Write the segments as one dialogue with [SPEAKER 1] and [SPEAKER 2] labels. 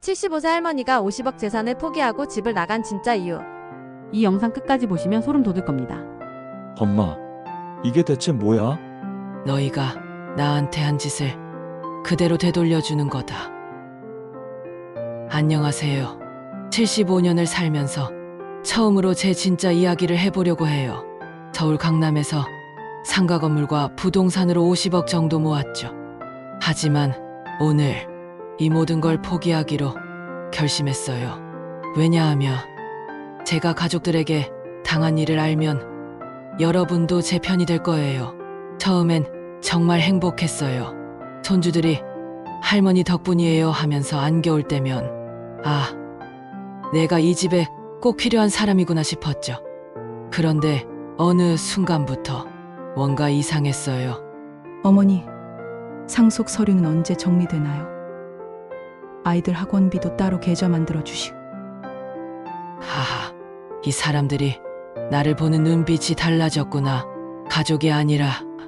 [SPEAKER 1] 75세 할머니가 50억 재산을 포기하고 집을 나간 진짜 이유.
[SPEAKER 2] 이 영상 끝까지 보시면 소름 돋을 겁니다.
[SPEAKER 3] 엄마, 이게 대체 뭐야?
[SPEAKER 4] 너희가 나한테 한 짓을 그대로 되돌려주는 거다. 안녕하세요. 75년을 살면서 처음으로 제 진짜 이야기를 해보려고 해요. 서울 강남에서 상가 건물과 부동산으로 50억 정도 모았죠. 하지만 오늘 이 모든 걸 포기하기로 결심했어요. 왜냐하면 제가 가족들에게 당한 일을 알면 여러분도 제 편이 될 거예요. 처음엔 정말 행복했어요. 손주들이 할머니 덕분이에요 하면서 안겨올 때면 아, 내가 이 집에 꼭 필요한 사람이구나 싶었죠. 그런데 어느 순간부터 뭔가 이상했어요.
[SPEAKER 5] 어머니, 상속 서류는 언제 정리되나요? 아이들 학원비도 따로 계좌 만들어 주시고.
[SPEAKER 4] 하하, 이 사람들이 나를 보는 눈빛이 달라졌구나. 가족이 아니라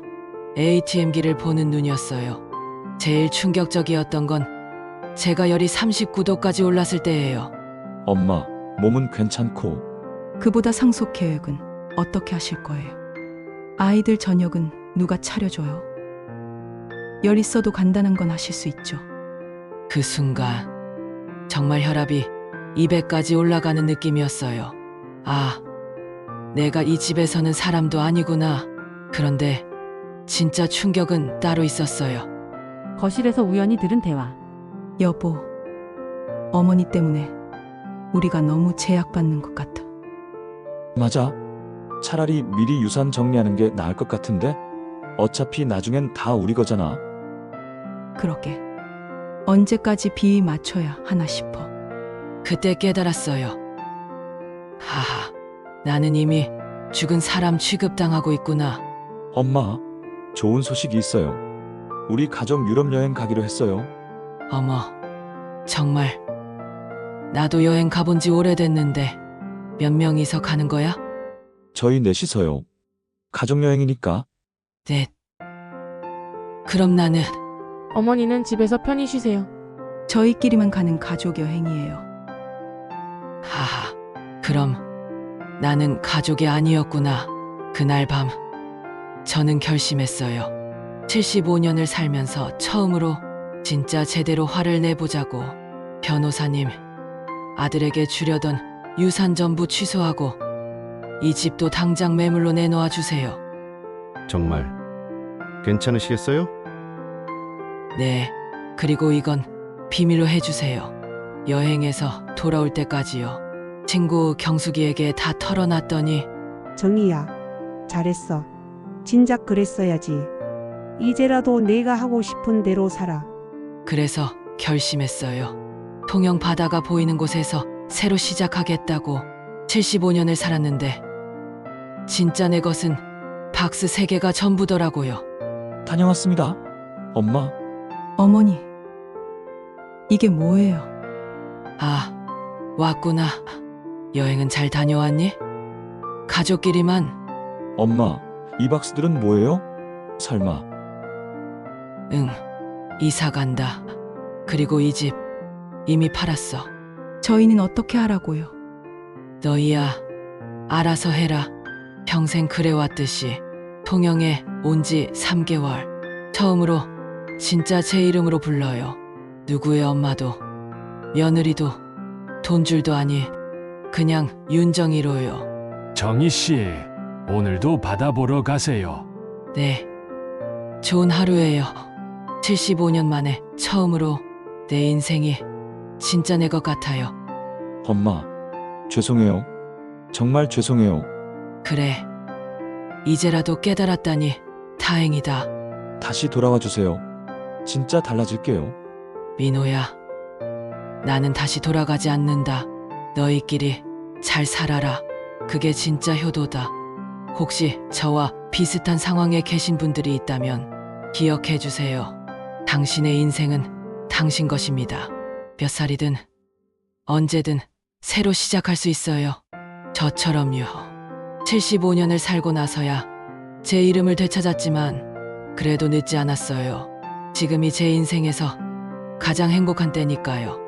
[SPEAKER 4] ATM기를 보는 눈이었어요. 제일 충격적이었던 건 제가 열이 39도까지 올랐을 때예요.
[SPEAKER 3] 엄마, 몸은 괜찮고.
[SPEAKER 5] 그보다 상속 계획은 어떻게 하실 거예요? 아이들 저녁은 누가 차려줘요? 열 있어도 간단한 건 하실 수 있죠.
[SPEAKER 4] 그 순간 정말 혈압이 200까지 올라가는 느낌이었어요. 아, 내가 이 집에서는 사람도 아니구나. 그런데 진짜 충격은 따로 있었어요.
[SPEAKER 2] 거실에서 우연히 들은 대화.
[SPEAKER 5] 여보, 어머니 때문에 우리가 너무 제약받는 것 같아.
[SPEAKER 3] 맞아. 차라리 미리 유산 정리하는 게 나을 것 같은데? 어차피 나중엔 다 우리 거잖아.
[SPEAKER 5] 그러게. 언제까지 비위 맞춰야 하나 싶어.
[SPEAKER 4] 그때 깨달았어요. 하하, 나는 이미 죽은 사람 취급당하고 있구나.
[SPEAKER 3] 엄마, 좋은 소식이 있어요. 우리 가족 유럽 여행 가기로 했어요.
[SPEAKER 4] 어머, 정말 나도 여행 가본 지 오래됐는데 몇 명이서 가는 거야?
[SPEAKER 3] 저희 넷이서요. 가족 여행이니까.
[SPEAKER 4] 넷. 그럼 나는
[SPEAKER 1] 어머니는 집에서 편히 쉬세요.
[SPEAKER 5] 저희끼리만 가는 가족 여행이에요.
[SPEAKER 4] 하하, 그럼 나는 가족이 아니었구나. 그날 밤 저는 결심했어요. 75년을 살면서 처음으로 진짜 제대로 화를 내보자고. 변호사님, 아들에게 주려던 유산 전부 취소하고 이 집도 당장 매물로 내놓아 주세요.
[SPEAKER 6] 정말 괜찮으시겠어요?
[SPEAKER 4] 네, 그리고 이건 비밀로 해주세요. 여행에서 돌아올 때까지요. 친구 경숙이에게 다 털어놨더니
[SPEAKER 7] 정희야, 잘했어. 진작 그랬어야지. 이제라도 내가 하고 싶은 대로 살아.
[SPEAKER 4] 그래서 결심했어요. 통영 바다가 보이는 곳에서 새로 시작하겠다고. 75년을 살았는데 진짜 내 것은 박스 3개가 전부더라고요.
[SPEAKER 3] 다녀왔습니다. 엄마,
[SPEAKER 5] 어머니, 이게 뭐예요?
[SPEAKER 4] 아, 왔구나. 여행은 잘 다녀왔니? 가족끼리만.
[SPEAKER 3] 엄마, 이 박스들은 뭐예요? 설마.
[SPEAKER 4] 응, 이사 간다. 그리고 이 집 이미 팔았어.
[SPEAKER 5] 저희는 어떻게 하라고요?
[SPEAKER 4] 너희야, 알아서 해라. 평생 그래왔듯이. 통영에 온 지 3개월. 처음으로 진짜 제 이름으로 불러요. 누구의 엄마도 며느리도 돈줄도 아니 그냥 윤정이로요.
[SPEAKER 8] 정희 씨, 오늘도 바다 보러 가세요.
[SPEAKER 4] 네, 좋은 하루예요. 75년 만에 처음으로 내 인생이 진짜 내 것 같아요.
[SPEAKER 3] 엄마, 죄송해요. 정말 죄송해요.
[SPEAKER 4] 그래, 이제라도 깨달았다니 다행이다.
[SPEAKER 3] 다시 돌아와 주세요. 진짜 달라질게요.
[SPEAKER 4] 민호야, 나는 다시 돌아가지 않는다. 너희끼리 잘 살아라. 그게 진짜 효도다. 혹시 저와 비슷한 상황에 계신 분들이 있다면 기억해 주세요. 당신의 인생은 당신 것입니다. 몇 살이든 언제든 새로 시작할 수 있어요. 저처럼요. 75년을 살고 나서야 제 이름을 되찾았지만 그래도 늦지 않았어요. 지금이 제 인생에서 가장 행복한 때니까요.